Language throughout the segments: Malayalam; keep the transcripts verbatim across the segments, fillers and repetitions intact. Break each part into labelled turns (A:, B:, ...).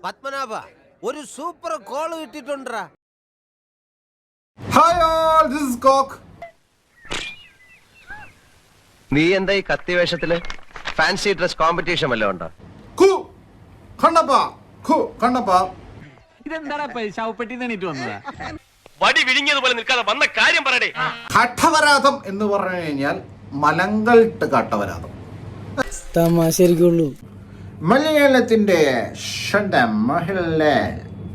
A: പത്മനാഭ ഒരു സൂപ്പർ കോൾ കിട്ടിട്ടുണ്ടാ.
B: ഹായ് ഓൾ, ദിസ് ഈസ് കോക്ക്.
C: നീ എന്താ ഈ കത്തി വേഷത്തില്? ഫാൻസി ഡ്രസ് കോമ്പറ്റീഷൻ വല്ലതും ഉണ്ടോ?
B: ഖു കണ്ണപ്പ, ഖു കണ്ണപ്പ.
D: ഇതെന്താടാ ശവപ്പെട്ടി തണിട്ട് വന്നതാ?
C: വടി വിഴുങ്ങിയതുപോലെ നിൽക്കാതെ വന്ന കാര്യം പറയടേ.
B: കാട്ടവരാതം എന്ന് പറഞ്ഞു കഴിഞ്ഞാൽ മലങ്കൾട്ട് കാട്ടവരാതം.
E: തമാശരിക്കുള്ളൂ.
B: മലയാളത്തിന്റെ സ്വന്തം മോഹൻലാൽ.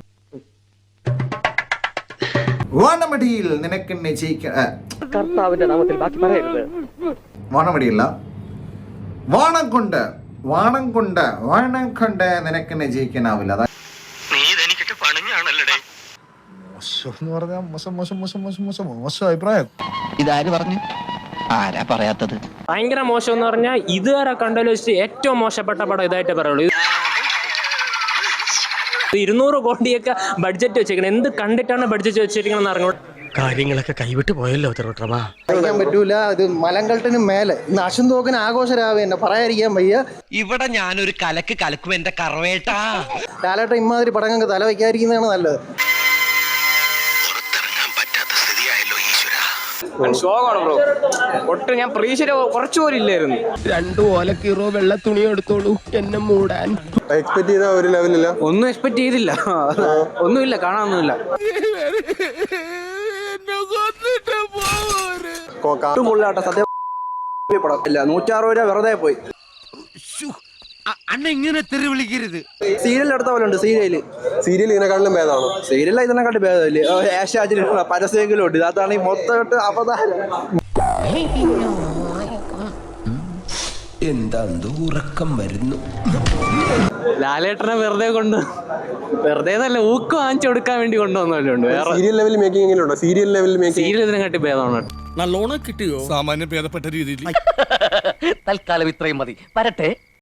B: വാണമടിയിൽ നിനക്കെന്നെ ജയിക്ക
F: കർത്താവിന്റെ നാമത്തിൽ ബാക്കി പറയരുത്.
B: വാണമടിയില്ല, വാണം കൊണ്ട് വാണം കൊണ്ട് വാണം കൊണ്ട് നിനക്കെന്നെ ജയിക്കാനാവില്ല. അതാ
C: നീ ഇതെനിക്കിട്ട് പണിഞ്ഞാണല്ലേ.
B: മോശം മോശം മോശം മോശം മോശം മോശം അഭിപ്രായം.
G: ഇതാര് പറഞ്ഞു? ആരാ പറയാത്തത്?
F: ഭയങ്കര മോശം എന്ന് പറഞ്ഞാൽ ഇതുവരെ കണ്ടതിൽ വെച്ച് ഏറ്റവും മോശപ്പെട്ട പടം ഇതായിട്ടേ പറയുള്ളൂ. ഇരുന്നൂറ് കോടിയൊക്കെ ബഡ്ജറ്റ് വെച്ചേക്കണം. എന്ത് കണ്ടിട്ടാണ് ബഡ്ജറ്റ് വെച്ചിരിക്കണമെന്ന് അറിഞ്ഞു.
C: കാര്യങ്ങളൊക്കെ കൈവിട്ട് പോയല്ലോ തിരുവട്ടമാ.
H: പറയാൻ പറ്റൂല. ഇത് മലങ്കൾട്ടിന് മേലെ ഇന്ന് അശുന്തോക്കിന് ആഘോഷരാവേ എന്നെ പറയാതിരിക്കാൻ വയ്യ.
G: ഇവിടെ ഞാനൊരു കലക്ക് കലക്കും എന്റെ കറവേട്ടാ.
H: ലാലേട്ട ഇമാതിരി പടങ്ങൾക്ക് തല വയ്ക്കാതിരിക്കുന്നതാണ് നല്ലത്.
F: ഷോക്കാണ് ബ്രോ. ഒട്ടും ഞാൻ പ്രതീക്ഷ കുറച്ചുപോലും ഇല്ലായിരുന്നു.
G: രണ്ടു ഓലക്കീറോ വെള്ള തുണി എടുത്തോളൂ എന്നെ മൂടാൻ.
I: എക്സ്പെക്ട് ചെയ്ത ഒരു ലെവലില്ല.
F: ഒന്നും എക്സ്പെക്ട് ചെയ്തില്ല. ഒന്നുമില്ല, കാണാനൊന്നുമില്ല.
H: സത്യം പടം ഇല്ല. നൂറ്ററുപത് രൂപ വെറുതെ പോയി.
A: അണ്ണ ഇങ്ങനെ തെറി വിളിക്കരുത്.
H: സീരിയൽ എടുത്ത പോലെ ഉണ്ട്. സീരിയല്
I: സീരിയൽ ഇതിനെക്കാട്ടിലും ഭേദമാണ്.
H: സീരിയൽ ഇതിനെക്കാട്ടി ഭേദമില്ലേ? ഏഷ്യാജിൽ പരസ്യമെങ്കിലും ഉണ്ട്. ഇതാത്താണ് ഈ മൊത്തമായിട്ട് അവതാരം.
G: എന്താ ഉറക്കം വരുന്നു.
F: ലാലേട്ടനെ വെറുതെ കൊണ്ട് വെറുതെ നല്ല ഊക്ക് വാങ്ങിച്ചു കൊടുക്കാൻ വേണ്ടി കൊണ്ടുവന്നല്ലുണ്ട്. വേറെ
I: സീരിയൽ ലെവലിൽ മേക്കിംഗ് എങ്ങനെയുണ്ടോ? സീരിയൽ ലെവലിൽ മേക്കിംഗ്
F: സീരിയൽ ഇതിനെക്കാട്ടി ഭേദമാണ്.
D: നല്ലോണം കിട്ടിയോ?
J: സാമാന്യം ഭേദപ്പെട്ട രീതിയിൽ.
G: തൽക്കാലം ഇത്രയും മതി. വരട്ടെ.